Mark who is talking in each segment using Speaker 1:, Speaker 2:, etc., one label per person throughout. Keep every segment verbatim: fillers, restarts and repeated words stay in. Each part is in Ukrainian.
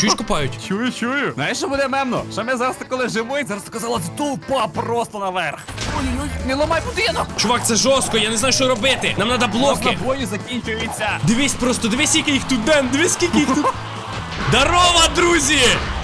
Speaker 1: Чуєш, копають?
Speaker 2: Чую, чую. Знаєш, що буде мемно? Що ми зараз тако лежимо і зараз така залазить толпа просто наверх. Ой-ой-ой, не ламай будинок.
Speaker 1: Чувак, це жорстко, я не знаю, що робити. Нам треба блоки.
Speaker 2: Просто бої закінчуються.
Speaker 1: Дивись просто, дивись, скільки їх тут, Ден, дивись, скільки їх тут. Здорово, друзі!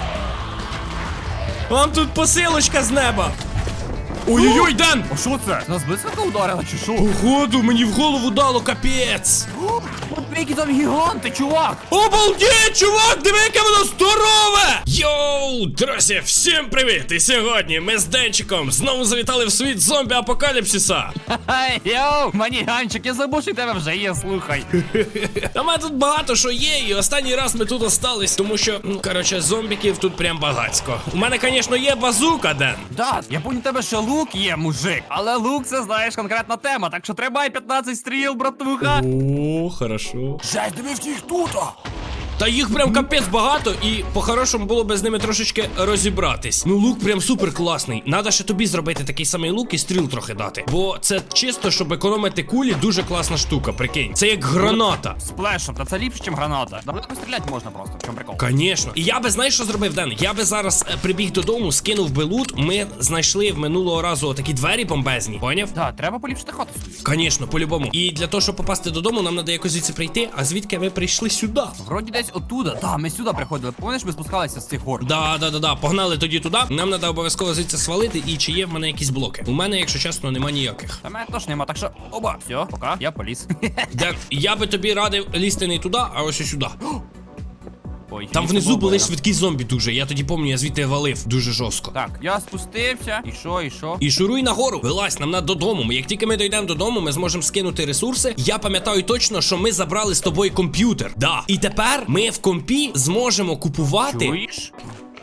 Speaker 1: Вам тут посилочка з неба. Ой-ой-ой, Ден!
Speaker 2: А що це? Нас блискавка ударила чи що?
Speaker 1: Походу, мені в голову дало, капець.
Speaker 2: От які там гіганти, чувак.
Speaker 1: Обалдеть, чувак, диви, яке воно здорове! Йоу, друзі, всім привіт! І сьогодні ми з Денчиком знову завітали в світ зомбі-апокаліпсиса.
Speaker 2: Хай, йоу, маніганчик, я забув, що в тебе вже є, слухай.
Speaker 1: Та мене тут багато що є, і останній раз ми тут остались, тому що, ну, коротше, зомбіків тут прям багацько. У мене, звісно, є базука, Ден.
Speaker 2: Да, я помню, тебе ще лук є, мужик. Але лук, це, знаєш, конкретна тема, так що тримай п'ятнадцять стріл, братуха.
Speaker 1: О, хорошо.
Speaker 2: Жесть, дивись їх тут.
Speaker 1: Та їх прям капець багато, і по-хорошому було би з ними трошечки розібратись. Ну, лук прям супер класний. Надо ще тобі зробити такий самий лук і стріл трохи дати. Бо це чисто, щоб економити кулі, дуже класна штука, прикинь. Це як граната.
Speaker 2: Сплешом, та це ліпше, ніж граната. Далеко стріляти можна просто, в чому прикол?
Speaker 1: Конечно. І я би, знаєш, що зробив, Ден? Я би зараз е, прибіг додому, скинув би лут. Ми знайшли в минулого разу такі двері бомбезні. Поняв?
Speaker 2: Да, треба поліпшити хату свою.
Speaker 1: Конечно, по-любому. І для того, щоб попасти додому, нам треба якось звідси прийти. А звідки ви прийшли сюди?
Speaker 2: Вроді десь оттуда. Да, ми сюди приходили. Пам'ятаєш, ми спускалися з цих гор.
Speaker 1: Да, да, да, да. Погнали тоді туди. Нам треба обов'язково звідси свалити. І чи є в мене якісь блоки? У мене, якщо чесно, нема ніяких.
Speaker 2: Та мене теж нема, так що оба. Все, пока, я поліз.
Speaker 1: Ден, я би тобі радив лізти не туди, а ось сюди.
Speaker 2: Ой,
Speaker 1: Там
Speaker 2: місце
Speaker 1: внизу
Speaker 2: було
Speaker 1: були
Speaker 2: больно.
Speaker 1: швидкі зомбі дуже. Я тоді пам'ятаю, я звідти валив дуже жорстко.
Speaker 2: Так, я спустився. І що, і що?
Speaker 1: І шуруй нагору, вилазь, нам надо додому. Як тільки ми дійдемо додому, ми зможемо скинути ресурси. Я пам'ятаю точно, що ми забрали з тобою комп'ютер. Да. І тепер ми в компі зможемо купувати.
Speaker 2: Чуєш?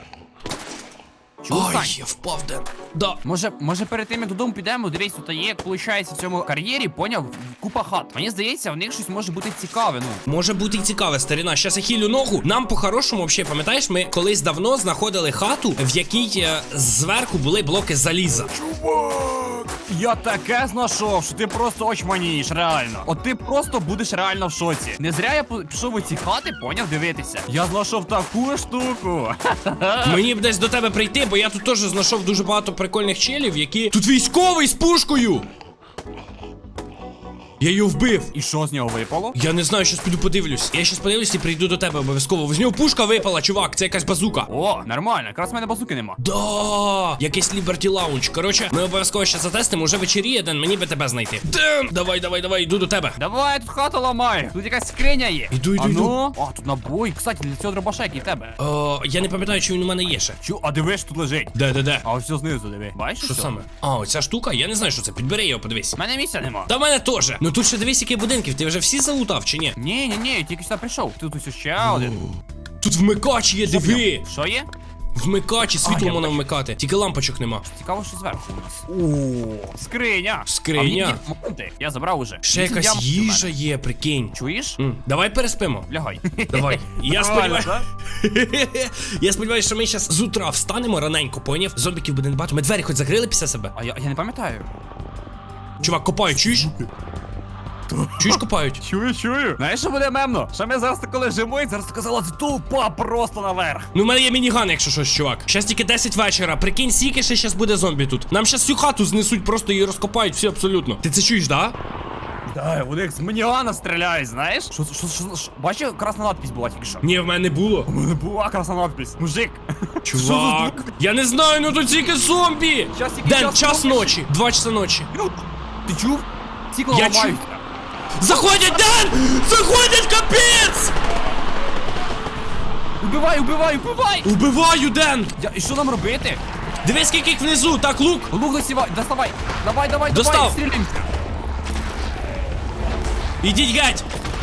Speaker 2: Чув,
Speaker 1: Ой,
Speaker 2: Сань?
Speaker 1: я впав, Ден. Да.
Speaker 2: Може, може перед тим як додому підемо, дивись, тут є, як виходить в цьому кар'єрі, поняв, купа хат. Мені здається, в них щось може бути цікаве, ну.
Speaker 1: Може бути і цікаве, старина. Щас я хілю ногу. Нам по-хорошому, взагалі, пам'ятаєш, ми колись давно знаходили хату, в якій е, зверху були блоки заліза.
Speaker 2: Чувак! Я таке знайшов, що ти просто очманієш, реально. От ти просто будеш реально в шоці. Не зря я по- пішов у ці хати, поняв, дивитися. Я знайшов таку штуку.
Speaker 1: Мені б десь до тебе прийти, бо я тут теж знайшов дуже багато прикольних челів, які. Тут військовий з пушкою! Я її вбив.
Speaker 2: І що з нього випало?
Speaker 1: Я не знаю, щас піду подивлюсь. Я щас подивлюсь і прийду до тебе обов'язково. З нього пушка випала, чувак, це якась базука.
Speaker 2: О, нормально, якраз в мене базуки нема.
Speaker 1: Да, якийсь Liberty Lounge. Коротше, ми обов'язково ще затестимо, уже вечеріє, Ден, мені би тебе знайти. Ден, давай, давай, давай, йду до тебе.
Speaker 2: Давай, я тут хату ламаю. Тут якась скриня є.
Speaker 1: Іду, іду,
Speaker 2: а
Speaker 1: іду.
Speaker 2: ну? А, тут набой. Кстати, для цього дробаша, який в тебе.
Speaker 1: О, я не пам'ятаю, чи він у мене є ще.
Speaker 2: Чу, а диви, що тут лежить.
Speaker 1: Де, де, де?
Speaker 2: А ось все знизу, диви. Бачиш?
Speaker 1: Що
Speaker 2: ось?
Speaker 1: саме? А, оця штука? Я не знаю, що це. Підбери його, подивись.
Speaker 2: У мене місця нема.
Speaker 1: Та в мене теж. Ну тут ще дивись, які будинків. Ти вже всі залутав чи ні?
Speaker 2: Ні, ні, ні, тільки сюди прийшов. Тут ось ще один.
Speaker 1: Тут вмикач є, диви.
Speaker 2: Що є?
Speaker 1: Вмикач і світло
Speaker 2: А, я
Speaker 1: можна
Speaker 2: бачу.
Speaker 1: вмикати. Тільки лампочок нема.
Speaker 2: Цікаво, що зверху у нас. О, скриня.
Speaker 1: Скриня.
Speaker 2: А мені діаманти. Я забрав уже.
Speaker 1: Ще
Speaker 2: Вісім
Speaker 1: якась
Speaker 2: діамантів у мене.
Speaker 1: їжа є, прикинь.
Speaker 2: Чуєш?
Speaker 1: М, Давай переспимо.
Speaker 2: Лягай.
Speaker 1: Давай. Я
Speaker 2: Нормально,
Speaker 1: сподіваюся. Я сподіваюся, що ми зараз з утра встанемо раненько, поняв? Зомбіків буде не багато. Ми двері хоч закрили після себе.
Speaker 2: А я, я не пам'ятаю.
Speaker 1: Чувак, копають, чуєш? Чуєш, копають?
Speaker 2: Чую, чую. Знаєш, що буде мемно? Що ми зараз тако лежимо і зараз така залазить толпа просто наверх.
Speaker 1: Ну, в мене є мініган, якщо щось, чувак. Щас тільки десять вечора. Прикинь, скільки ще щас буде зомбі тут. Нам щас всю хату знесуть, просто її розкопають, всі абсолютно. Ти це чуєш, да?
Speaker 2: Да, вони як з маніана стріляють, знаєш? Що, що, що, що? Бачив, красна надпись була тільки що.
Speaker 1: Ні, в мене не було.
Speaker 2: У мене була красна надпись. Мужик.
Speaker 1: Чувак. Я не знаю, ну тут тільки зомбі.
Speaker 2: Час, який
Speaker 1: Ден,
Speaker 2: час
Speaker 1: час
Speaker 2: ночі?
Speaker 1: ночі. Два часа ночі.
Speaker 2: Ти чув? Цікло
Speaker 1: Я
Speaker 2: ламаються.
Speaker 1: Заходять, Ден! Заходять, капець!
Speaker 2: Убивай, убивай, убивай!
Speaker 1: Убиваю, Ден!
Speaker 2: Я, і що нам робити?
Speaker 1: Дивись, скільки їх внизу, так, лук!
Speaker 2: Лук досівай, доставай. Давай, давай,
Speaker 1: Достав.
Speaker 2: давай, стрілімся.
Speaker 1: Ідіть геть!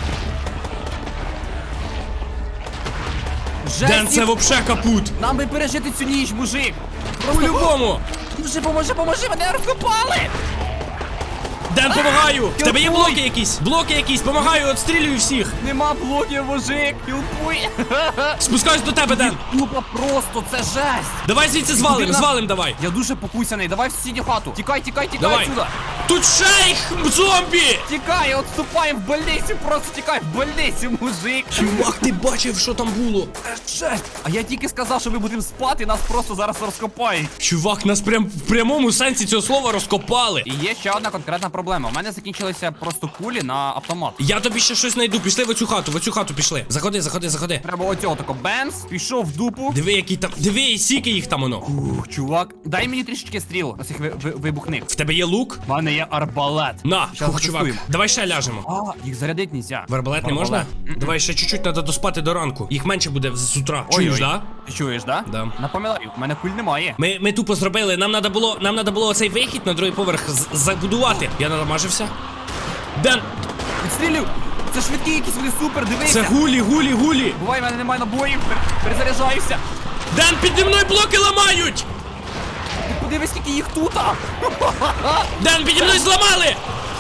Speaker 2: Жесть,
Speaker 1: Ден, це
Speaker 2: їх-
Speaker 1: вообще капут!
Speaker 2: Нам би пережити цю ніч, мужик. Просто...
Speaker 1: По-любому!
Speaker 2: Поможи, поможи, поможи, мене розкопали!
Speaker 1: Ден, помагаю! В тебе є
Speaker 2: Хілпуй!
Speaker 1: блоки якісь? Блоки якісь, помагаю, отстрілюю всіх!
Speaker 2: Нема блоків, мужик! Хілпуй!
Speaker 1: Спускаюсь до тебе, Ден!
Speaker 2: Тупо просто, це жесть!
Speaker 1: Давай звідси звалим,
Speaker 2: Куди нам?
Speaker 1: звалим давай!
Speaker 2: Я дуже покусяний, давай в сусідню хату! Тікай, тікай, тікай
Speaker 1: Давай!
Speaker 2: отсюда!
Speaker 1: Тут шейх зомбі!
Speaker 2: Тікай, отступаємо в больницю, просто тікай в больницю, мужик!
Speaker 1: Чувак, ти бачив, що там було?
Speaker 2: Це жесть! А я тільки сказав, що ми будемо спати, нас просто зараз розкопають.
Speaker 1: Чувак, нас прям в прямому сенсі цього слова розкопали.
Speaker 2: І є ще одна конкретна проблема. У мене закінчилися просто кулі на автомат.
Speaker 1: Я тобі ще щось знайду. Пішли в оцю хату, в оцю хату пішли. Заходи, заходи, заходи.
Speaker 2: Треба оцього тако бенз, пішов в дупу.
Speaker 1: Диви, які там. Диви, сіки їх там воно.
Speaker 2: Ух, чувак, дай мені трішечки стріл, ось їх ви, ви, вибухни.
Speaker 1: В тебе є лук?
Speaker 2: У мене є арбалет.
Speaker 1: На,
Speaker 2: Щас
Speaker 1: хух, чувак.
Speaker 2: затестуємо.
Speaker 1: Давай ще ляжемо.
Speaker 2: А, їх зарядить нельзя.
Speaker 1: В арбалет не можна?
Speaker 2: М-м.
Speaker 1: Давай ще чуть-чуть треба доспати до ранку. Їх менше буде з утра. Чуєш,
Speaker 2: Ой-ой.
Speaker 1: да?
Speaker 2: Ти чуєш, да?
Speaker 1: Да.
Speaker 2: Напоминаю, в мене куль немає.
Speaker 1: Ми, ми тупо зробили. Нам треба було, нам треба було оцей вихід на другий поверх з- забудувати. Я надамажився. Ден,
Speaker 2: Відстрілюй! Це швидкі якісь, вони супер, дивися!
Speaker 1: це гулі, гулі, гулі.
Speaker 2: Бувай, в мене немає набоїв, пер- перезаряджаюся.
Speaker 1: Ден, піді мною блоки ламають.
Speaker 2: Ти подивись, скільки їх тут!
Speaker 1: Ден, піді мною зламали.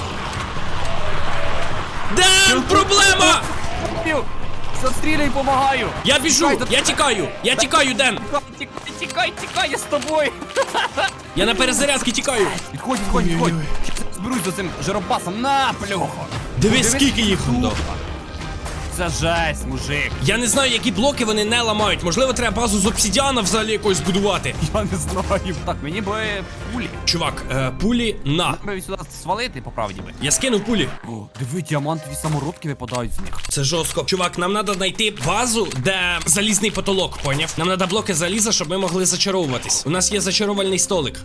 Speaker 1: Ден, проблема.
Speaker 2: Застрілюй, помагаю!
Speaker 1: Я біжу,
Speaker 2: Тікай,
Speaker 1: я тікаю, я тікаю, Ден.
Speaker 2: Тікай, тікай, тікай, тікай, я з тобою!
Speaker 1: Я на перезарядки тікаю.
Speaker 2: Відходь, відходь, відходь! Щас я зберусь за цим жиробасом, на, плюхо!
Speaker 1: Дивись, скільки їх там дав.
Speaker 2: Це жесть, мужик!
Speaker 1: Я не знаю, які блоки вони не ламають. Можливо, треба базу з обсидіана взагалі якось збудувати.
Speaker 2: Я не знаю. Так, мені би пулі.
Speaker 1: Чувак, е, пулі на.
Speaker 2: Треба сюди свалити, по правді би.
Speaker 1: Я скинув пулі.
Speaker 2: О, диви, діамантові самородки випадають з них.
Speaker 1: Це жорстко. Чувак, нам треба знайти базу, де залізний потолок, поняв? Нам треба блоки заліза, щоб ми могли зачаровуватись. У нас є зачаровальний столик.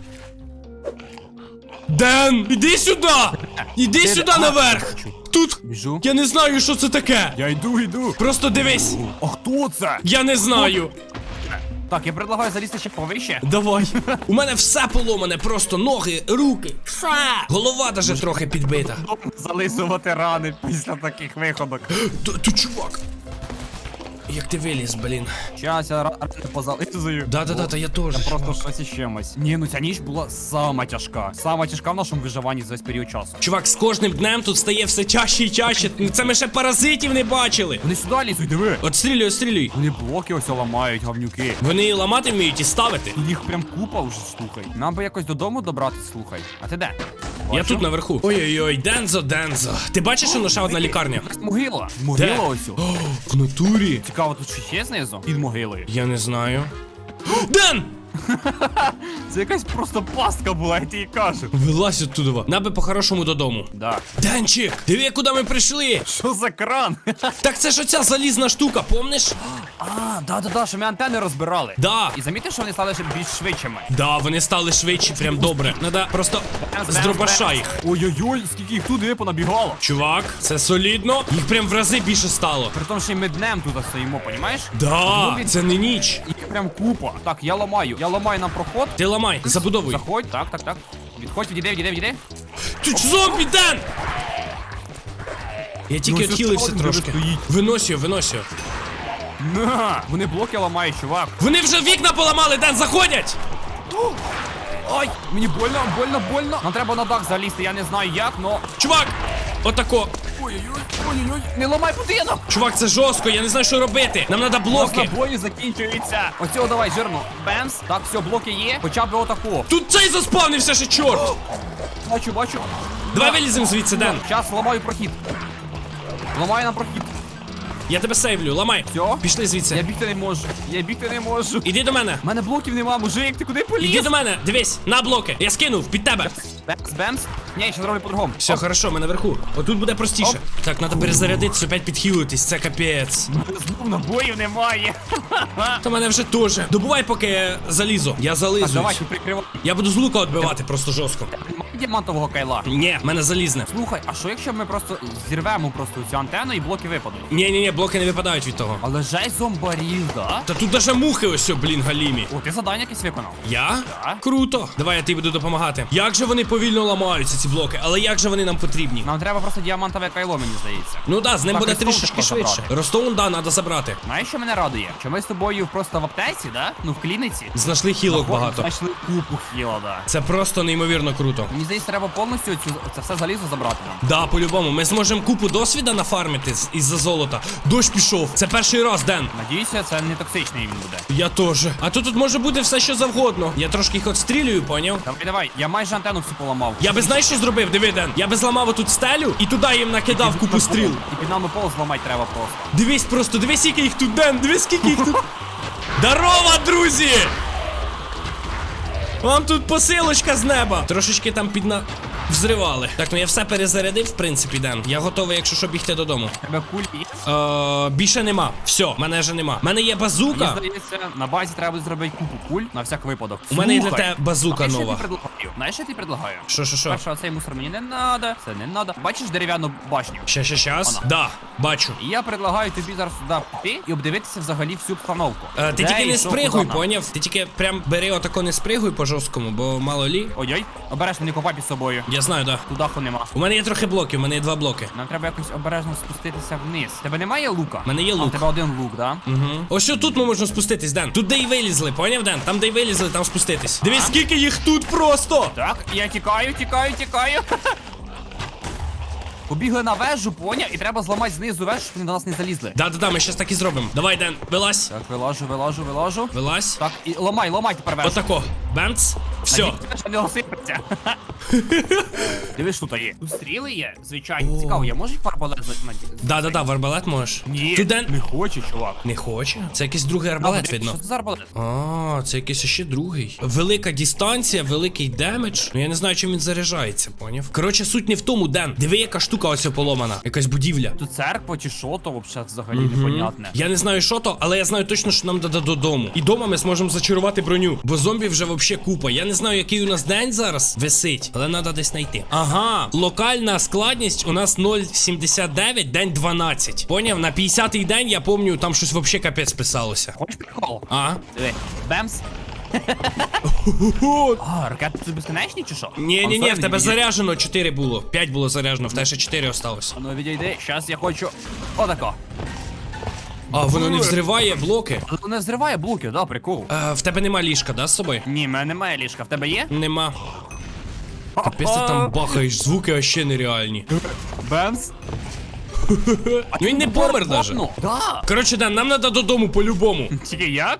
Speaker 1: Ден, іди сюди! Іди
Speaker 2: Де-
Speaker 1: сюди
Speaker 2: а,
Speaker 1: наверх!
Speaker 2: бачу.
Speaker 1: Тут
Speaker 2: Біжу.
Speaker 1: я не знаю, що це таке.
Speaker 2: Я йду, йду.
Speaker 1: Просто дивись.
Speaker 2: А хто це?
Speaker 1: Я не знаю.
Speaker 2: Так, я предлагаю залізти ще повище.
Speaker 1: Давай. У мене все поломане, просто ноги, руки, все. Голова даже трохи підбита.
Speaker 2: Зализувати рани після таких виходок.
Speaker 1: Т- Ти чувак. Як ти виліз, блін.
Speaker 2: Щас я рани позализую.
Speaker 1: Да-да-да, та я теж.
Speaker 2: Я просто щось із чимось. Ні, ну ця ніч була сама тяжка. Сама тяжка в нашому виживанні за весь період часу.
Speaker 1: Чувак, з кожним днем тут стає все чаще і чаще. Це ми ще паразитів не бачили.
Speaker 2: Вони сюди лізуть, диви.
Speaker 1: Отстрілюй, отстрілюй.
Speaker 2: Вони блоки ось ламають, говнюки.
Speaker 1: Вони і ламати вміють і ставити.
Speaker 2: Їх прям купа вже, слухай. Нам би якось додому добратися, слухай. А ти де?
Speaker 1: Я
Speaker 2: Бачу.
Speaker 1: тут наверху. Ой-ой-ой, Дензо, Дензо. Ти бачиш, що ще одна лікарня?
Speaker 2: Якась могила. Могила ось. о.
Speaker 1: О, в натурі.
Speaker 2: Цікаво, тут щось є знизу? Під могилою.
Speaker 1: Я не знаю. Ден!
Speaker 2: Це якась просто пастка була, я тобі кажу.
Speaker 1: Вилазь оттуда. Нам би по-хорошому додому.
Speaker 2: Да.
Speaker 1: Денчик, диви, куди ми прийшли.
Speaker 2: Що за кран?
Speaker 1: Так це ж оця залізна штука, помниш?
Speaker 2: А, да-да-да, що ми антени розбирали.
Speaker 1: Да.
Speaker 2: І замітив, що вони стали ще більш швидшими.
Speaker 1: Да, вони стали швидші, прям добре. Надо просто з дробаша їх.
Speaker 2: Ой-ой-ой, скільки їх туди понабігало.
Speaker 1: Чувак, це солідно. Їх прям в рази більше стало.
Speaker 2: При тому, що й ми днем тут стоїмо, понімаєш?
Speaker 1: Да,
Speaker 2: Ну,
Speaker 1: це не ніч.
Speaker 2: Їх прям купа. Так, я ламаю. Я ламаю нам проход.
Speaker 1: Ти ламай, забудовуй.
Speaker 2: Заходь, так, так, так. Відходь, відійди, відійди, відійди.
Speaker 1: Ти ж зомбі, Ден! Я тільки
Speaker 2: Ну, це
Speaker 1: відхилився
Speaker 2: справді
Speaker 1: трошки.
Speaker 2: вже стоїть.
Speaker 1: Винось його, винось його.
Speaker 2: На! Вони блоки ламають, чувак.
Speaker 1: Вони вже вікна поламали, Ден, заходять!
Speaker 2: Ай, мені больно, больно, больно. Нам треба на дах залізти, я не знаю як, но...
Speaker 1: Чувак! Отако.
Speaker 2: Ой-ой-ой, ой-ой-ой, не ламай будинок!
Speaker 1: Чувак, це жорстко, я не знаю, що робити. Нам треба блоки.
Speaker 2: Набої закінчуються. Оцього давай, жирно. Бемс. Так, все, блоки є. Хоча б отаку.
Speaker 1: Тут цей заспавнився ще, чорт!
Speaker 2: Бачу, бачу.
Speaker 1: Давай виліземо звідси, Ден.
Speaker 2: Зараз ламаю прохід. Ламаю нам прохід.
Speaker 1: Я тебе сейвлю, ламай.
Speaker 2: Все?
Speaker 1: Пішли
Speaker 2: Я
Speaker 1: звідси.
Speaker 2: бігти не можу. Я бігти не можу.
Speaker 1: Іди до мене.
Speaker 2: У мене блоків нема, мужик, ти куди поліз?
Speaker 1: Іди до мене, дивись, на блоки. Я скинув під тебе.
Speaker 2: Бемс, бемс. Ні, я ще зроблю по-другому.
Speaker 1: Все, хорошо, ми наверху. Отут буде простіше.
Speaker 2: Оп.
Speaker 1: Так, треба перезарядитися, опять підхилитись, це капець.
Speaker 2: Знов набоїв немає.
Speaker 1: Та мене вже теж. Добувай, поки залізу. Я
Speaker 2: Так,
Speaker 1: зализуюсь.
Speaker 2: давай, ти прикривай.
Speaker 1: Я буду з лука відбивати просто жорстко.
Speaker 2: Немає діамантового кайла.
Speaker 1: Ні, в мене залізне.
Speaker 2: Слухай, а що якщо ми просто зірвемо просто цю антенну і блоки випадуть?
Speaker 1: Ні, ні, ні, блоки не випадають від того.
Speaker 2: Але жесть зомбарів, да?
Speaker 1: Та тут даже мухи ось, о, блін, галімі.
Speaker 2: О, ти завдання якесь виконав.
Speaker 1: Я?
Speaker 2: Так.
Speaker 1: Круто. Давай я тобі буду допомагати. Як же вони повільно ламаються, ці блоки, але як же вони нам потрібні?
Speaker 2: Нам треба просто діамантове кайло, мені здається.
Speaker 1: Ну да, з ним
Speaker 2: Так,
Speaker 1: буде
Speaker 2: Ростов
Speaker 1: трішечки
Speaker 2: треба
Speaker 1: швидше.
Speaker 2: забрати.
Speaker 1: Ростоун, да, треба забрати.
Speaker 2: Знаєш, що мене радує? Що ми з тобою просто в аптеці, да? Ну, в клініці.
Speaker 1: Знайшли хілок багато.
Speaker 2: Знайшли купу хіла, да.
Speaker 1: Це просто неймовірно круто.
Speaker 2: Мені здається, треба повністю цю, це все залізо забрати нам.
Speaker 1: Да, по-любому. Ми зможемо купу досвіда нафармити з- із-за золота. Дощ пішов. Це перший раз, Ден.
Speaker 2: Надіюся, це не токсичний він буде.
Speaker 1: Я теж. А то тут може бути все, що завгодно. Я трошки їх отстрілюю, поняв?
Speaker 2: Давай, давай, я майже антенну всю поламав.
Speaker 1: Я би знаєш, що зробив? Диви, Ден. Я би зламав отут стелю і туди їм накидав купу стріл.
Speaker 2: І під нами пол зламати треба просто.
Speaker 1: Дивись просто, дивись, скільки їх тут, Ден, дивись, скільки їх тут. Здорово, друзі! Вам тут посилочка з неба. Трошечки там підна... взривали. Так, ну я все перезарядив, в принципі, Ден. Я готовий, якщо що, бігти додому.
Speaker 2: Тебе куль є?
Speaker 1: Е, більше нема. Все, мене вже нема. У мене є
Speaker 2: Мені
Speaker 1: базука.
Speaker 2: здається, на базі треба буде зробити купу куль на всяк випадок.
Speaker 1: У мене є для
Speaker 2: Слухай,
Speaker 1: тебе базука
Speaker 2: знаєш, що я
Speaker 1: нова.
Speaker 2: тобі предлагаю? Знаєш, що я тобі предлагаю?
Speaker 1: Що, що, що?
Speaker 2: Перше, цей мусор мені не надо, це не надо. Бачиш дерев'яну башню?
Speaker 1: Ща, ща, щас.
Speaker 2: Вона.
Speaker 1: Да, бачу.
Speaker 2: І я предлагаю тобі зараз сюди піти і обдивитися взагалі всю обстановку.
Speaker 1: Е, ти
Speaker 2: Де
Speaker 1: тільки
Speaker 2: і
Speaker 1: не
Speaker 2: що,
Speaker 1: спригуй,
Speaker 2: куди нам.
Speaker 1: поняв? Ти тільки прям бери отако не спригуй по жорсткому, бо мало лі.
Speaker 2: Ой-ой, обережно не копай під собою.
Speaker 1: Я знаю, да.
Speaker 2: Тут даху нема.
Speaker 1: У мене є трохи блоків, у мене є два блоки.
Speaker 2: Нам треба якось обережно спуститися вниз. Тебе немає лука?
Speaker 1: У мене є
Speaker 2: А, у
Speaker 1: лук.
Speaker 2: тебе один лук, да?
Speaker 1: Угу. Ось що тут ми можемо спуститись, Ден. Тут де й вилізли, поняв, Ден? Там де й вилізли, там спуститись. Дивись, скільки їх тут просто!
Speaker 2: Так, я тікаю, тікаю, тікаю. Побігли на вежу, поняв, і треба зламати знизу вежу, щоб вони до нас не залізли.
Speaker 1: Да-да-да, ми щас так і зробимо. Давай, Ден, вилазь.
Speaker 2: Так, вилажу, вилажу, вилажу.
Speaker 1: Вилазь.
Speaker 2: Так, і ламай, ламай тепер вежу.
Speaker 1: Отако. Бемц. Все.
Speaker 2: Надіюсь, що не осипеться. Дивись, що тут є. Тут стріли є, звичайно.
Speaker 1: О.
Speaker 2: Цікаво, я можу їх арбалет за...
Speaker 1: Да-да-да, в арбалет можеш.
Speaker 2: Ні,
Speaker 1: Тут Ден...
Speaker 2: не хоче, чувак.
Speaker 1: Не хоче? Це якийсь другий арбалет,
Speaker 2: Що
Speaker 1: видно.
Speaker 2: це за арбалет?
Speaker 1: А, це якийсь ще другий. Велика дистанція, великий демедж. Ну я не знаю, чим він заряджається, поняв? Коротше, суть не в тому, Ден. Диви, яка штука ось поломана. Якась будівля.
Speaker 2: Тут церква чи що, то взагалі взагалі непонятне.
Speaker 1: Я не знаю, що то, але я знаю точно, що нам дадуть додому. І дома ми зможемо зачарувати броню. Бо зомбі вже вообще купа. Я не знаю, який у нас день зараз висить, але треба десь знайти. Ага, локальна складність у нас нуль сімдесят дев'ять, день дванадцять. Поняв? На п'ятдесятий день, я пам'ятаю, там щось вообще капець писалося.
Speaker 2: Хочеш прикол?
Speaker 1: А?
Speaker 2: Диви, бемс. А, ракети тут безконечні чи що?
Speaker 1: Ні-ні-ні, в тебе
Speaker 2: заряджено.
Speaker 1: заряджено чотири було. п'ять було заряджено, в тебе ще чотири осталось.
Speaker 2: Ну відійди, щас я хочу. Отако.
Speaker 1: А, воно не взриває блоки.
Speaker 2: Але не зриває блоки, да, прикол.
Speaker 1: Е, в тебе нема ліжка, да, з собою?
Speaker 2: Ні, в мене немає ліжка, в тебе є?
Speaker 1: Нема. Капець, ти там бахаєш, звуки вообще нереальні.
Speaker 2: Бемс.
Speaker 1: Ну він не помер даже.
Speaker 2: Ну, да.
Speaker 1: Коротше, Ден, нам треба додому по-любому.
Speaker 2: Тільки як?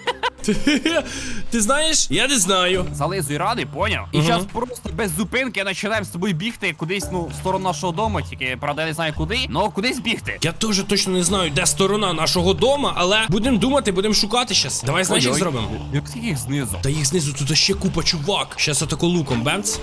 Speaker 1: Ти знаєш? Я не знаю.
Speaker 2: Зализуй радий, поняв? І
Speaker 1: Мгм.
Speaker 2: зараз просто без зупинки починаємо з тобою бігти кудись, ну, в сторону нашого дому, тільки, правда, я не знаю куди, але кудись бігти.
Speaker 1: Я теж точно не знаю, де сторона нашого дома, але будемо думати, будемо шукати щас. Давай, знаєш, як
Speaker 2: Ой-ой.
Speaker 1: зробимо?
Speaker 2: Як скільки їх знизу?
Speaker 1: Та їх знизу тут ще купа чувак. Щас отако луком, бемц.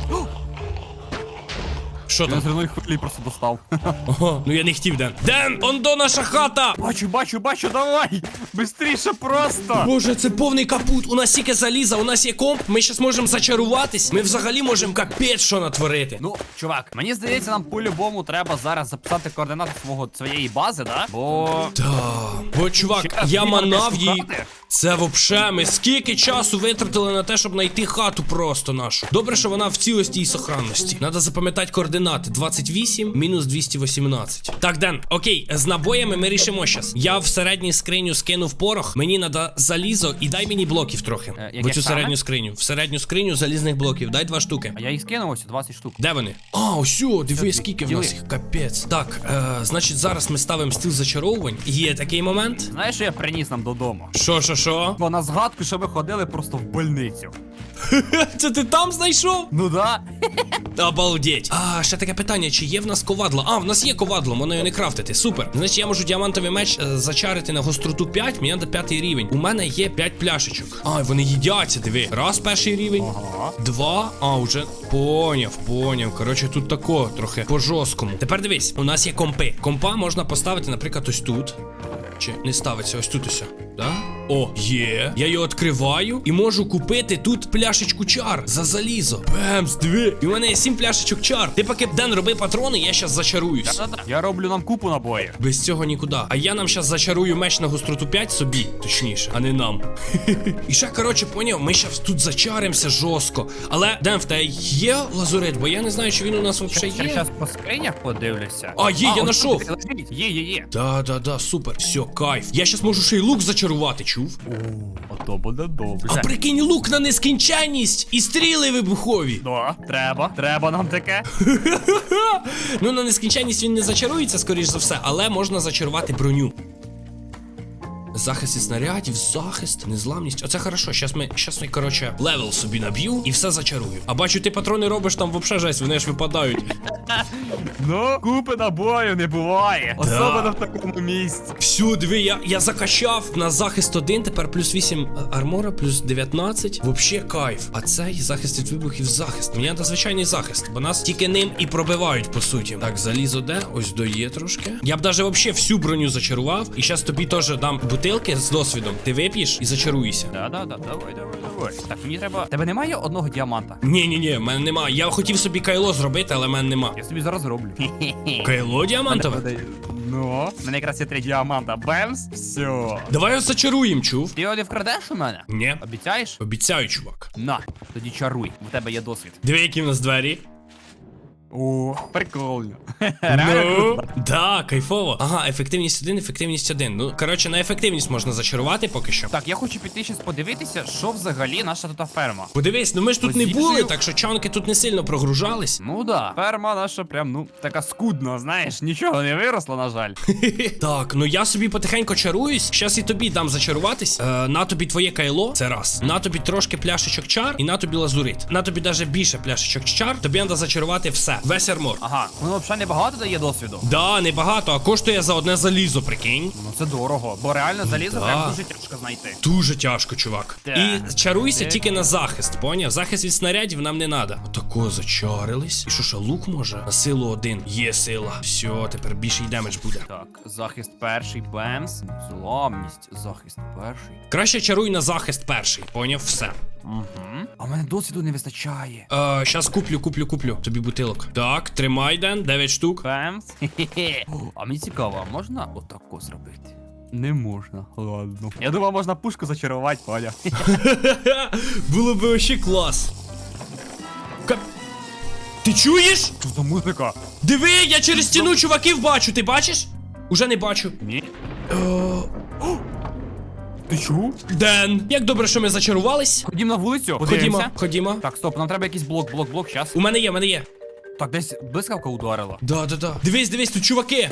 Speaker 1: Що
Speaker 2: Я
Speaker 1: там?
Speaker 2: з рівної хвилі просто достав.
Speaker 1: Ага, ну я не хотів, Ден. Ден, он до наша хата!
Speaker 2: Бачу, бачу, бачу, давай! Бистріше просто!
Speaker 1: Боже, це повний капут. У нас тільки заліза, у нас є комп. Ми щас можемо зачаруватись. Ми взагалі можемо капець що натворити.
Speaker 2: Ну, чувак, мені здається, нам по-любому треба зараз записати координати свого своєї бази, да? Бо.
Speaker 1: Да. Бо, чувак,
Speaker 2: Щас
Speaker 1: я
Speaker 2: її треба
Speaker 1: манав її.
Speaker 2: шукати.
Speaker 1: Це вообще, ми скільки часу витратили на те, щоб знайти хату просто нашу. Добре, що вона в цілості і сохранності. Надо запам'ятати координати. двадцять вісім мінус двісті вісімнадцять. Так, Ден, окей, з набоями ми рішимо щас. Я в середню скриню скинув порох, мені надо залізо і дай мені блоків трохи.
Speaker 2: Е,
Speaker 1: в
Speaker 2: яких
Speaker 1: цю
Speaker 2: саме?
Speaker 1: середню скриню. В середню скриню залізних блоків. Дай два штуки.
Speaker 2: А я їх скинув ось двадцять штук.
Speaker 1: Де вони? А, ось, о, диви,
Speaker 2: Все,
Speaker 1: скільки в
Speaker 2: діли.
Speaker 1: нас їх, капець. Так, е, значить, зараз ми ставимо стіл зачаровувань. Є такий момент.
Speaker 2: Знаєш, що я приніс нам додому?
Speaker 1: Що, що, що?
Speaker 2: Бо на згадку, що ми ходили просто в больницю.
Speaker 1: Це ти там знайшов?
Speaker 2: Ну да.
Speaker 1: Обалдеть. А, ще таке питання, чи є в нас ковадло? А, в нас є ковадло, можна його не крафтити. Супер. Значить, я можу діамантовий меч е, зачарити на гостроту п'ять, мені треба п'ятий рівень. У мене є п'ять пляшечок. А, вони їдяться, диви. Раз перший рівень.
Speaker 2: Ага.
Speaker 1: Два. А, вже поняв, поняв. Коротше, тут тако трохи по жорсткому. Тепер дивись, у нас є компи. Компа можна поставити, наприклад, ось тут. Чи не ставиться ось тут ось. Да? О, є. Я його відкриваю і можу купити тут пляшечку чар за залізо. Бемс, диви. І у мене є сім пляшечок чар. Ти поки Ден роби патрони, я щас зачаруюсь.
Speaker 2: Да-да-да. Я роблю нам купу набоїв.
Speaker 1: Без цього нікуди. А я нам щас зачарую меч на гостроту п'ять собі, точніше, а не нам. І ще, коротше, поняв, ми щас тут зачаримося жорстко. Але, Ден, в тебе є лазурит, бо я не знаю, чи він у нас взагалі
Speaker 2: Я
Speaker 1: є.
Speaker 2: зараз по скринях подивлюся.
Speaker 1: А, є, я
Speaker 2: ось
Speaker 1: нашов.
Speaker 2: тут лежить. Є, є, є.
Speaker 1: Да, да, да, супер. Все, кайф. Я щас можу ще й лук зачарувати, чувак. чув?
Speaker 2: О, а то буде добре.
Speaker 1: А прикинь, лук на нескінченність і стріли вибухові.
Speaker 2: Да, треба, треба нам таке.
Speaker 1: Ну, на нескінченність він не зачарується, скоріш за все, але можна зачарувати броню. Захист від снарядів, захист, незламність. Оце хорошо. Щас ми, щас ми, коротше, левел собі наб'ю і все зачарую. А бачу, ти патрони робиш там вообще жесть, вони ж випадають.
Speaker 2: Ну, купи набою не буває. Особливо в такому місці.
Speaker 1: Всю, диви, я, я закачав на захист один, тепер плюс вісім армора, плюс дев'ятнадцять. Вообще кайф. А цей захист від вибухів захист. Мені треба звичайний захист, бо нас тільки ним і пробивають, по суті. Так, залізо де? Ось доє трошки. Я б даже вообще всю броню зачарував. І зараз тобі теж дам бутилки з досвідом. Ти вип'єш і зачаруєшся.
Speaker 2: Да-да-да, давай, давай, давай. Так, мені треба. Тебе немає одного діаманта?
Speaker 1: Ні-ні-ні, в мене нема. Я хотів собі кайло зробити, але в мене нема.
Speaker 2: Я собі зараз зроблю.
Speaker 1: Кайло діамантове?
Speaker 2: Ну, в мене якраз є три діаманта. Бемс, все.
Speaker 1: Давай його зачаруємо, чув?
Speaker 2: Ти його не вкрадеш у мене?
Speaker 1: Ні.
Speaker 2: Обіцяєш?
Speaker 1: Обіцяю, чувак.
Speaker 2: На, тоді чаруй. У тебе є досвід.
Speaker 1: Диви, які в нас двері.
Speaker 2: О, прикольно.
Speaker 1: Ну, да, кайфово. Ага, ефективність один, ефективність один. Ну, коротше, на ефективність можна зачарувати поки що.
Speaker 2: Так, я хочу піти щас подивитися, що взагалі наша тут ферма.
Speaker 1: Подивись, ну ми ж тут не
Speaker 2: Позицію.
Speaker 1: були, так що чанки тут не сильно прогружались.
Speaker 2: Ну да, ферма наша прям, ну, така скудна, знаєш, нічого не виросло, на жаль.
Speaker 1: Так, ну я собі потихеньку чаруюсь. Щас і тобі дам зачаруватись. Е, на тобі твоє кайло, це раз. На тобі трошки пляшечок чар, і на тобі лазурит. На тобі даже більше пляшечок чар, тобі треба зачарувати все. Весь армор.
Speaker 2: Ага, воно взагалі небагато дає досвіду.
Speaker 1: Да, небагато, а коштує за одне залізо, прикинь.
Speaker 2: Ну це дорого, бо реально залізо
Speaker 1: Да.
Speaker 2: прям дуже тяжко знайти.
Speaker 1: Дуже тяжко, чувак.
Speaker 2: Так.
Speaker 1: І чаруйся
Speaker 2: Так.
Speaker 1: тільки на захист, поняв? Захист від снарядів нам не треба. Отако зачарились. І що ж, лук може? На силу один. Є сила. Все, тепер більший демедж буде.
Speaker 2: Так, захист перший, бемс, зламність, захист перший.
Speaker 1: Краще чаруй на захист перший, поняв? Все.
Speaker 2: Угу. А в мене досвіду не вистачає.
Speaker 1: Е, щас куплю, куплю, куплю. Тобі бутилок. Так, тримай, Ден, дев'ять штук.
Speaker 2: Бемс. Хе-хе-хе. О, а мені цікаво, а можна отако зробити? Не можна, ладно. Я думав, можна пушку зачарувати, поняв.
Speaker 1: Було би вообще клас. Кап... Ти чуєш?
Speaker 2: Що за музика?
Speaker 1: Диви, я через стіну чуваків бачу, ти бачиш? Уже не бачу.
Speaker 2: Ні.
Speaker 1: Е,
Speaker 2: Ти чув?
Speaker 1: Ден, як добре, що ми зачарувались.
Speaker 2: Ходім на вулицю,
Speaker 1: Ходімо,
Speaker 2: подивимося.
Speaker 1: ходімо.
Speaker 2: Так, стоп, нам треба якийсь блок, блок, блок, щас.
Speaker 1: У мене є, у мене є.
Speaker 2: Так, десь блискавка ударила.
Speaker 1: Да, да, да. Дивись, дивись, тут чуваки.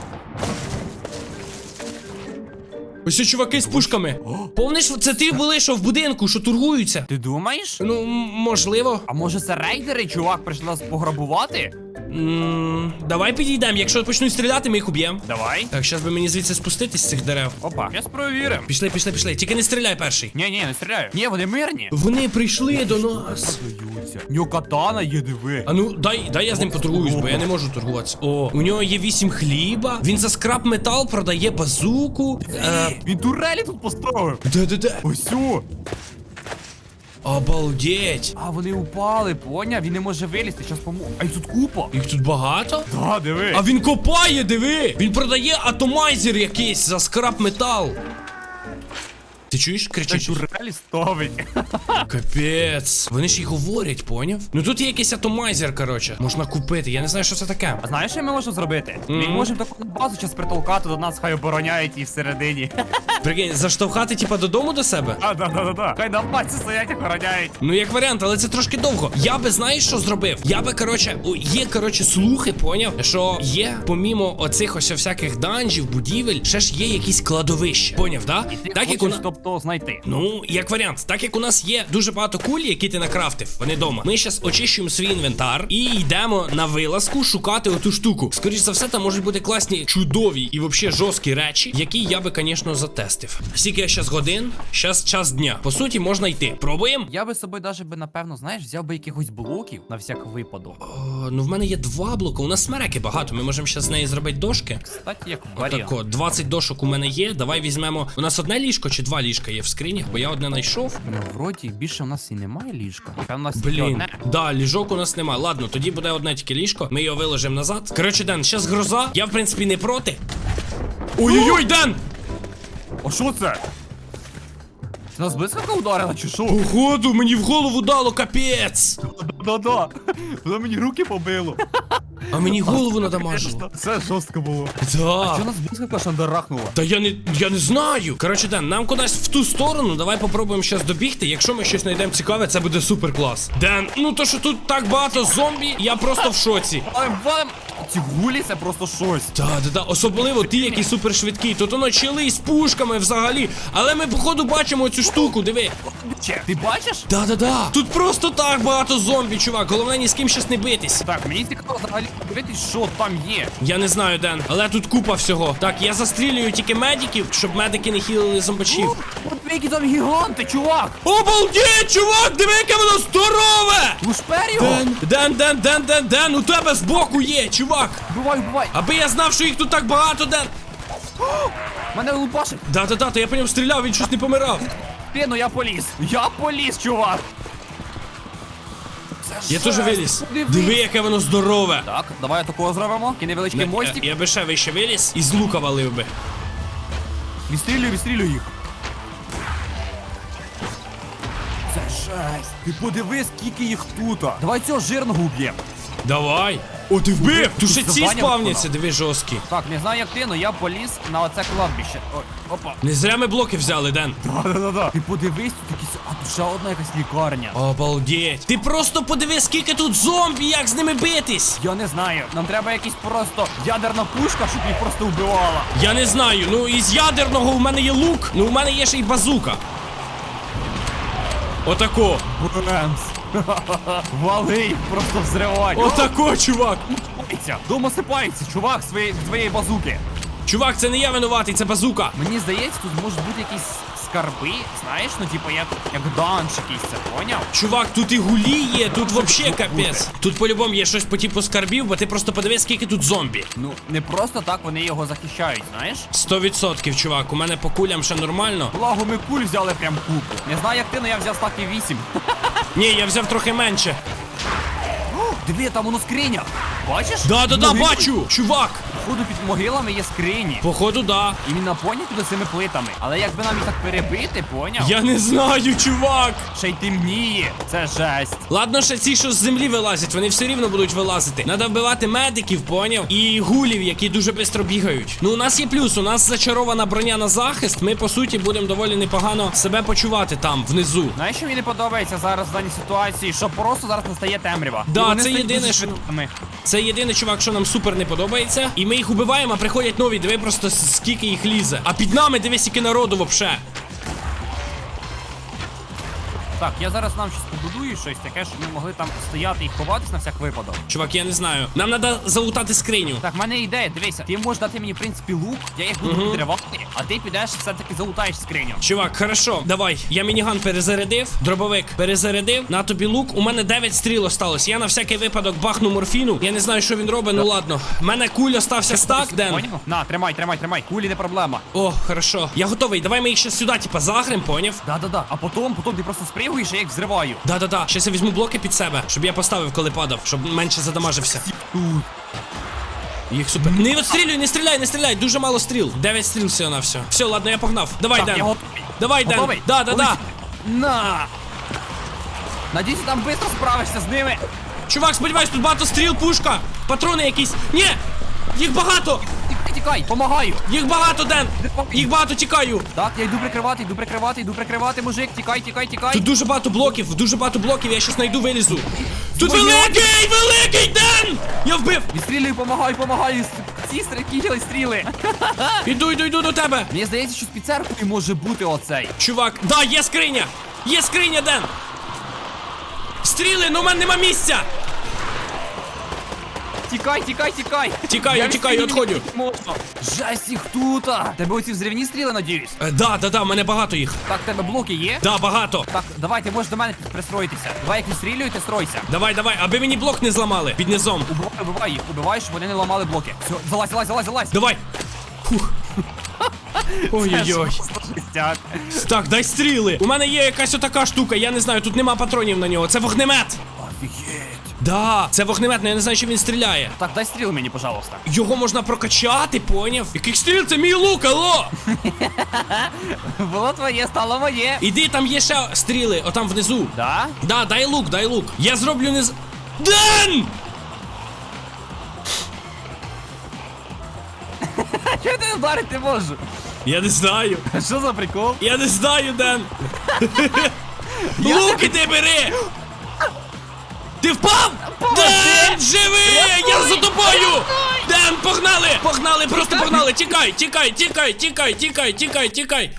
Speaker 1: Ось ці чуваки з пушками. Помниш, це ти були, що в будинку, що торгуються?
Speaker 2: Ти думаєш?
Speaker 1: Ну, м- можливо.
Speaker 2: А може це рейдери, чувак, прийшли нас пограбувати?
Speaker 1: М, Давай підійдемо. Якщо почнуть стріляти, ми їх уб'ємо.
Speaker 2: Давай.
Speaker 1: Так, зараз би мені звідси спуститись з цих дерев.
Speaker 2: Опа, щас провіримо.
Speaker 1: Пішли, пішли, пішли. Тільки не стріляй перший.
Speaker 2: Ні, ні, не стріляю. Ні, вони мирні.
Speaker 1: Вони прийшли до нас.
Speaker 2: Сміються. У нього катана є, диви.
Speaker 1: А ну, дай, дай я з ним поторгуюсь, бо я не можу торгуватися. О, у нього є вісім хліба. Він за скраб метал продає базуку. Е,
Speaker 2: Він турелі тут поставив.
Speaker 1: де-де-де.
Speaker 2: Ось о.
Speaker 1: Обалдеть.
Speaker 2: А вони упали, поняв? Він не може вилізти, щас помогу. А й тут купа.
Speaker 1: Їх тут багато?
Speaker 2: Да, диви.
Speaker 1: А він копає, диви! Він продає атомайзер якийсь за скраб метал. Ти чуєш?
Speaker 2: Та
Speaker 1: Кричить.
Speaker 2: турелі ставить.
Speaker 1: Капець. Вони ж і говорять, поняв? Ну тут є якийсь атомайзер, коротше. Можна купити. Я не знаю, що це таке.
Speaker 2: А знаєш, що ми можемо зробити? Ми
Speaker 1: Мгм.
Speaker 2: можемо таку базу час притолкати до нас, хай обороняють її всередині.
Speaker 1: Прикинь, заштовхати, типа, додому до себе?
Speaker 2: А, да, да, да, да. Хай на базі стоять, охороняють.
Speaker 1: Ну, як варіант, але це трошки довго. Я би, знаєш, що зробив? Я би, коротше, о, є, коротше, слухи, поняв, що є, помімо оцих ось всяких данжів, будівель, ще ж є якісь кладовища. Поняв, да?
Speaker 2: І ти
Speaker 1: Так як у
Speaker 2: хочеш,
Speaker 1: нас.
Speaker 2: тобто, знайти.
Speaker 1: Ну, як варіант, так як у нас є дуже багато куль, які ти накрафтив, вони дома. Ми зараз очищуємо свій інвентар і йдемо на вилазку шукати оту штуку. Скоріше за все, там можуть бути класні, чудові і взагалі жорсткі речі, які я би, звісно, затестив. Скільки я зараз годин, зараз час дня. По суті, можна йти. Пробуємо?
Speaker 2: Я би з собою даже би, напевно, знаєш, взяв би якихось блоків на всяк випадок.
Speaker 1: О, ну в мене є два блоки. У нас смереки багато. Ми можемо зараз з неї зробити дошки.
Speaker 2: Кстати, як варіант.
Speaker 1: Отако, двадцять дошок у мене є. Давай візьмемо. У нас одне ліжко чи два ліжка є в скринях, бо я одне знайшов.
Speaker 2: Ну, вроді, більше у нас і немає ліжка. Та у нас тільки
Speaker 1: Блін,
Speaker 2: одне.
Speaker 1: да, ліжок у нас нема. Ладно, тоді буде одне тільки ліжко. Ми його виложимо назад. Коротше, Ден, зараз гроза. Я, в принципі, не проти. Ой-ой-ой, Ден!
Speaker 2: А що це? Це нас блискавка ударила, чи що?
Speaker 1: Походу, мені в голову дало капець.
Speaker 2: Да-да. Воно мені руки побило.
Speaker 1: А мені голову надамажило.
Speaker 2: Це жорстко було.
Speaker 1: Да.
Speaker 2: Що нас блискавка шандарахнула?
Speaker 1: Та я не я не знаю. Коротше, Ден, нам кудись в ту сторону. Давай попробуємо щас добігти. Якщо ми щось знайдемо цікаве, це буде супер клас. Ден, ну то що тут так багато зомбі, я просто в шоці.
Speaker 2: Валим, валим! Ці гулі це просто щось.
Speaker 1: Да, да, да. Особливо ти, який супер швидкий. Тут воно чили з пушками взагалі. Але ми, походу, бачимо цю штуку, диви.
Speaker 2: Че, ти бачиш?
Speaker 1: Да, да, да. Тут просто так багато зомбі, чувак. Головне ні з ким щас не битись.
Speaker 2: Так, мені цікаво взагалі подивитись, що там є.
Speaker 1: Я не знаю, Ден, але тут купа всього. Так, я застрілюю тільки медиків, щоб медики не хілили зомбачів.
Speaker 2: От які там гіганти, чувак!
Speaker 1: Обалдеть, чувак, диви, яке воно здорове!
Speaker 2: Лушпер його!
Speaker 1: Ден, Ден, Ден, Ден, Ден, Ден, у тебе збоку є, чувак!
Speaker 2: Бувай, бувай!
Speaker 1: Аби я знав, що їх тут так багато, Ден!
Speaker 2: Мене лупашить!
Speaker 1: Да-да-да, то я по ньому стріляв, він щось не помирав.
Speaker 2: Ти, ну я поліз! Я поліз, чувак! Це
Speaker 1: Я
Speaker 2: жесть.
Speaker 1: теж виліз.
Speaker 2: Подивись.
Speaker 1: Диви, яке воно здорове.
Speaker 2: Так, давай такого зробимо. Такий невеличкий
Speaker 1: Я,
Speaker 2: мостик.
Speaker 1: я би ще вище виліз і з лука валив би.
Speaker 2: Відстрілюй, відстрілюй їх. Це жесть. Ти подивись, скільки їх тут. Давай цього жирного уб'ємо.
Speaker 1: Давай. О, ти вбив! Тут ще ці
Speaker 2: Заваняв
Speaker 1: спавняться, диви, жорсткі.
Speaker 2: Так, не знаю як ти, але я поліз на оце кладбище. Ой, опа.
Speaker 1: Не зря ми блоки взяли, Ден.
Speaker 2: Да-да-да. Ти подивись, тут якісь. А тут ще одна якась лікарня.
Speaker 1: Обалдеть. Ти просто подиви, скільки тут зомбі, як з ними битись.
Speaker 2: Я не знаю. Нам треба якась просто ядерна пушка, щоб їх просто вбивала.
Speaker 1: Я не знаю, ну із ядерного у мене є лук, ну у мене є ще й базука. Отако.
Speaker 2: Бремс. Вали їх, просто взривай.
Speaker 1: Отако, чувак.
Speaker 2: Сипається. Дома сипається, чувак, своєї твоєї базуки.
Speaker 1: Чувак, це не я винуватий, це базука.
Speaker 2: Мені здається, тут можуть бути якісь скарби, знаєш, ну типу як, як данж якийсь, це поняв?
Speaker 1: Чувак, тут і гулі є, тут вообще капець. Тут по-любому є щось по типу скарбів, бо ти просто подивись, скільки тут зомбі.
Speaker 2: Ну, не просто так вони його захищають, знаєш?
Speaker 1: Сто відсотків, чувак, у мене по кулям ще нормально.
Speaker 2: Благо ми куль взяли прям купу. Не знаю як ти, але я взяв стаки вісім.
Speaker 1: Ні, я взяв трохи менше.
Speaker 2: Диви, там воно скриня. Бачиш?
Speaker 1: Да-да-да,
Speaker 2: Могили.
Speaker 1: бачу! Чувак!
Speaker 2: Походу під могилами є скрині.
Speaker 1: Походу, да.
Speaker 2: І він наповнює туди цими плитами. Але якби нам їх так перебити, поняв?
Speaker 1: Я не знаю, чувак!
Speaker 2: Ще й темніє. Це жесть.
Speaker 1: Ладно, ще ці, що з землі вилазять, вони все рівно будуть вилазити. Надо вбивати медиків, поняв? І гулів, які дуже швидко бігають. Ну, у нас є плюс, у нас зачарована броня на захист. Ми, по суті, будемо доволі непогано себе почувати там, внизу.
Speaker 2: Знаєш, що мені не подобається зараз в даній ситуації? Що просто зараз настає темрява.
Speaker 1: Да,
Speaker 2: І вони
Speaker 1: це
Speaker 2: стають
Speaker 1: єдине,
Speaker 2: дуже
Speaker 1: що-
Speaker 2: швидкими.
Speaker 1: Це єдине, чувак, що нам супер не подобається. І ми їх убиваємо, а приходять нові. Диви просто с- скільки їх лізе. А під нами дивись, скільки народу вообще.
Speaker 2: Так, я зараз нам щось побудую, щось таке, щоб ми могли там стояти і ховатись на всяк випадок.
Speaker 1: Чувак, я не знаю. Нам треба залутати скриню.
Speaker 2: Так, в мене ідея, дивися, ти можеш дати мені, в принципі, лук, я їх буду підривати, а ти підеш все-таки залутаєш скриню.
Speaker 1: Чувак, хорошо, давай. Я мініган перезарядив, дробовик перезарядив. На тобі лук. У мене дев'ять стріл осталось. Я на всякий випадок бахну морфіну. Я не знаю, що він робить, ну ладно. У мене куль остався стак, Ден.
Speaker 2: Поняв? На, тримай, тримай, тримай. Кулі не проблема.
Speaker 1: О, хорошо. Я готовий. Давай ми їх ще сюди, типа, загрем, поняв?
Speaker 2: Да-да-да. А потім, потім ти просто спригуєш, а я їх взриваю.
Speaker 1: Да-да-да. Щас я візьму блоки під себе, щоб я поставив, коли падав, щоб менше задамажився.
Speaker 2: Тут.
Speaker 1: Їх супер. Не відстрілюй, не стріляй, не стріляй. Дуже мало стріл. дев'ять стріл всього на все. Все, ладно, я погнав. Давай,
Speaker 2: Так,
Speaker 1: Ден.
Speaker 2: я готовий.
Speaker 1: Давай, Ден.
Speaker 2: Готовий?
Speaker 1: Да, да, да.
Speaker 2: Полетіли. На! Надіюсь, там швидко справишся з ними.
Speaker 1: Чувак, сподіваюсь, тут багато стріл, пушка. Патрони якісь. Ні! Їх багато!
Speaker 2: Тікай, тікай, помагаю.
Speaker 1: Їх багато, Ден! Їх багато, тікаю!
Speaker 2: Так, я йду прикривати, йду прикривати, йду прикривати, мужик. Тікай, тікай, тікай.
Speaker 1: Тут дуже багато блоків, дуже багато блоків, я щас знайду, вилізу. Тут
Speaker 2: Твою-
Speaker 1: великий, великий Ден! Я вбив!
Speaker 2: Відстрілюю, помагаю, помагаю. Ці стріли, стріли.
Speaker 1: Іду, іду, іду до тебе!
Speaker 2: Мені здається, що під церквою може бути оцей.
Speaker 1: Чувак, да, є скриня! Є скриня, Ден! Стріли, ну в мене нема місця!
Speaker 2: Тікай, тікай, тікай.
Speaker 1: Тікаю,
Speaker 2: Я
Speaker 1: тікаю,
Speaker 2: відстрілюю
Speaker 1: відходю.
Speaker 2: не можу. Жесть їх тут. Тебе оці взривні стріли, надіюсь?
Speaker 1: Е, да, да, да, в мене багато їх.
Speaker 2: Так, в тебе блоки є?
Speaker 1: Да, багато.
Speaker 2: Так, давай, ти можеш до мене пристроїтися. Давай, як відстрілюю, ти стройся.
Speaker 1: Давай, давай, аби мені блок не зламали під низом.
Speaker 2: Убивай, убивай їх, убивай, щоб вони не ламали блоки. Все, залазь, залазь, залазь, залазь.
Speaker 1: Давай. Фух. Ой-ой-ой.
Speaker 2: Жестяк.
Speaker 1: Так, дай стріли. У мене є якась отака штука, я не знаю, тут нема патронів на нього. Це вогнемет.
Speaker 2: Офігеть.
Speaker 1: Да, це вогнемет, але я не знаю, чи він стріляє.
Speaker 2: Так, дай стріл мені, пожалуйста.
Speaker 1: Його можна прокачати, поняв? Яких стріл? Це мій лук, алло!
Speaker 2: Було твоє, стало моє.
Speaker 1: Іди, там є ще стріли, отам внизу.
Speaker 2: Да?
Speaker 1: Да, дай лук, дай лук. Я зроблю не з. Ден!
Speaker 2: Я тебе вдарити можу.
Speaker 1: Я не знаю.
Speaker 2: Що за прикол?
Speaker 1: Я не знаю, Ден. Лук іди бери! Ти впав? Ден, живи! Я за тобою! Ден, погнали! Погнали, просто погнали! Тікай, тікай, тікай, тікай, тікай, тікай, тікай!